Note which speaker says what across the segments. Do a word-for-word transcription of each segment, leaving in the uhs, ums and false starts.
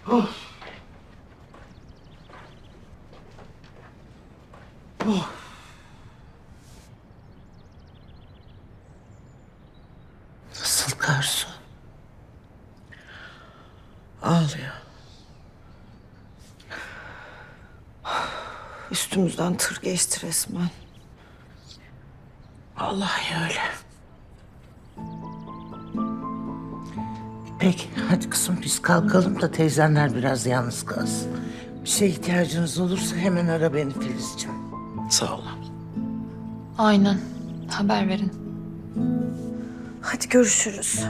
Speaker 1: Oh. Oh. Nasıl Karsu? Ağlıyor.
Speaker 2: Üstümüzden tır geçti resmen.
Speaker 1: Vallahi öyle. Peki hadi kızım biz kalkalım da teyzenler biraz yalnız kalsın. Bir şeye ihtiyacınız olursa hemen ara beni Filizciğim. Sağ ol.
Speaker 3: Aynen. Haber verin.
Speaker 2: Hadi görüşürüz.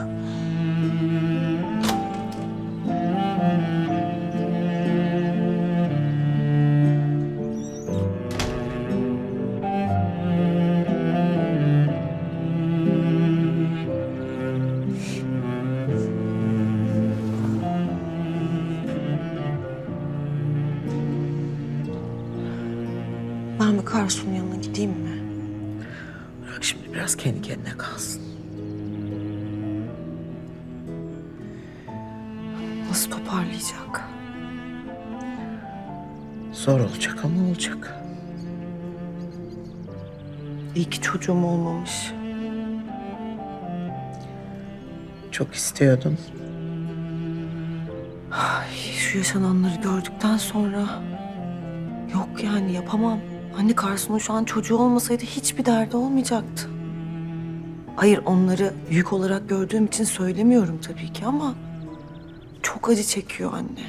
Speaker 2: Ben bir Karsu'nun yanına gideyim mi?
Speaker 1: Bırak şimdi biraz kendi kendine kalsın.
Speaker 2: Nasıl toparlayacak?
Speaker 1: Zor olacak ama olacak.
Speaker 2: İyi ki çocuğum olmamış.
Speaker 1: Çok istiyordum.
Speaker 2: Ay, şu yaşananları gördükten sonra... Yok yani yapamam. Anne Karsu'nun şu an çocuğu olmasaydı hiçbir derdi olmayacaktı. Hayır onları yük olarak gördüğüm için söylemiyorum tabii ki ama... Çok acı çekiyor anne.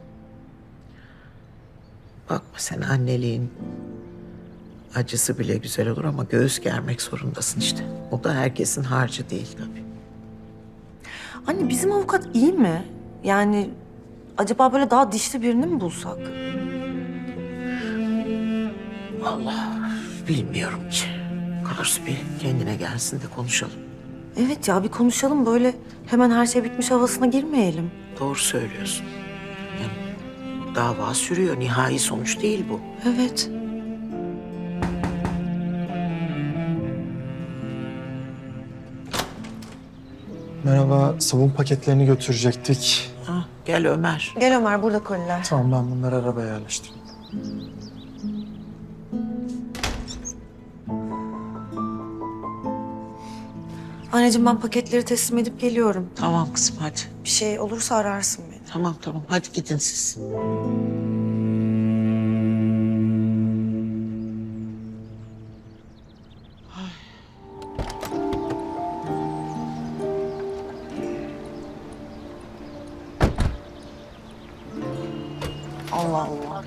Speaker 1: Bakma sen anneliğin acısı bile güzel olur ama göğüs germek zorundasın işte. O da herkesin harcı değil tabii.
Speaker 2: Anne bizim avukat iyi mi? Yani acaba böyle daha dişli birini mi bulsak?
Speaker 1: Allah bilmiyorum ki. Karsu bir kendine gelsin de konuşalım.
Speaker 2: Evet ya bir konuşalım böyle hemen her şey bitmiş havasına girmeyelim.
Speaker 1: Doğru söylüyorsun. Yani dava sürüyor. Nihai sonuç değil bu.
Speaker 2: Evet.
Speaker 4: Merhaba, sabun paketlerini götürecektik.
Speaker 1: Ha, gel Ömer.
Speaker 2: Gel Ömer burada koliler.
Speaker 4: Tamam, ben bunları arabaya yerleştireyim.
Speaker 2: Anneciğim ben paketleri teslim edip geliyorum.
Speaker 1: Tamam kızım hadi.
Speaker 2: Bir şey olursa ararsın beni.
Speaker 1: Tamam tamam hadi gidin siz.
Speaker 2: Allah Allah.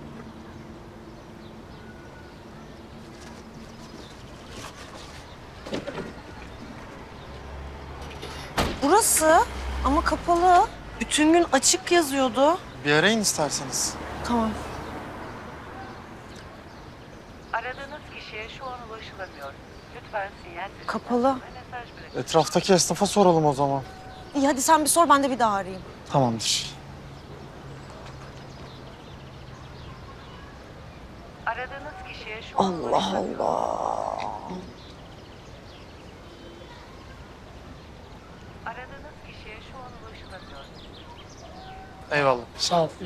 Speaker 2: Burası ama kapalı. Bütün gün açık yazıyordu.
Speaker 4: Bir arayın isterseniz.
Speaker 2: Tamam.
Speaker 5: Aradığınız kişiye şu an ulaşılamıyor. Lütfen sinyal sesinden
Speaker 2: Kapalı.
Speaker 5: sonra mesaj bırakın.
Speaker 4: Etraftaki esnafa soralım o zaman.
Speaker 2: İyi hadi sen bir sor ben de bir daha arayayım.
Speaker 4: Tamamdır.
Speaker 5: Aradığınız kişiye şu an
Speaker 2: Allah
Speaker 5: ulaşılamıyor.
Speaker 2: Allah.
Speaker 5: Aradığınız kişiye şu an ulaşılamıyor.
Speaker 4: Eyvallah.
Speaker 1: Sağ ol.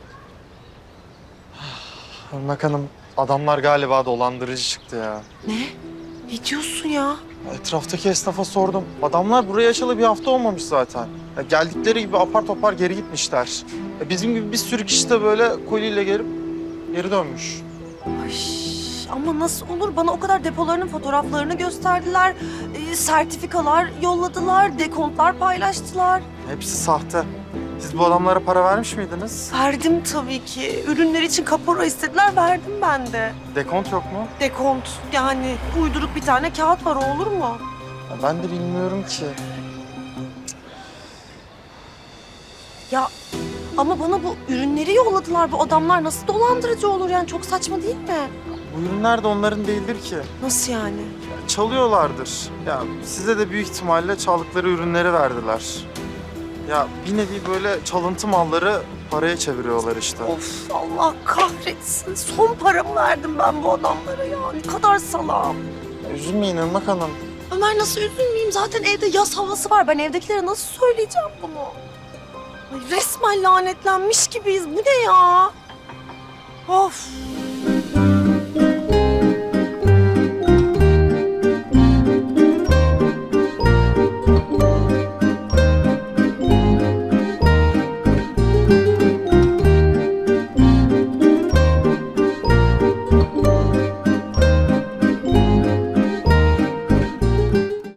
Speaker 4: Irmak Hanım, adamlar galiba dolandırıcı çıktı ya.
Speaker 2: Ne? Ne diyorsun ya?
Speaker 4: Etraftaki esnafa sordum. Adamlar buraya açalı bir hafta olmamış zaten. Ya geldikleri gibi apar topar geri gitmişler. Ya bizim gibi bir sürü kişi de böyle koliyle gelip geri dönmüş.
Speaker 2: Ay, ama nasıl olur? Bana o kadar depolarının fotoğraflarını gösterdiler. Ee, sertifikalar yolladılar, dekontlar paylaştılar.
Speaker 4: Hepsi sahte. Siz bu adamlara para vermiş miydiniz?
Speaker 2: Verdim tabii ki. Ürünler için kapora istediler, verdim ben de.
Speaker 4: Dekont yok mu?
Speaker 2: Dekont yani uyduruk bir tane kağıt var, o olur mu?
Speaker 4: Ya ben de bilmiyorum ki.
Speaker 2: Ya ama bana bu ürünleri yolladılar. Bu adamlar nasıl dolandırıcı olur yani? Çok saçma değil mi?
Speaker 4: Bu ürünler de onların değildir ki.
Speaker 2: Nasıl yani?
Speaker 4: Ya çalıyorlardır. Ya size de büyük ihtimalle çaldıkları ürünleri verdiler. Ya bir nevi böyle çalıntı malları paraya çeviriyorlar işte.
Speaker 2: Of Allah kahretsin. Son paramı verdim ben bu adamlara ya. Ne kadar salağım.
Speaker 4: Ya üzülmeyin Irmak Hanım.
Speaker 2: Ömer nasıl üzülmeyeyim? Zaten evde yaz havası var. Ben evdekilere nasıl söyleyeceğim bunu? Ay resmen lanetlenmiş gibiyiz. Bu ne ya? Of.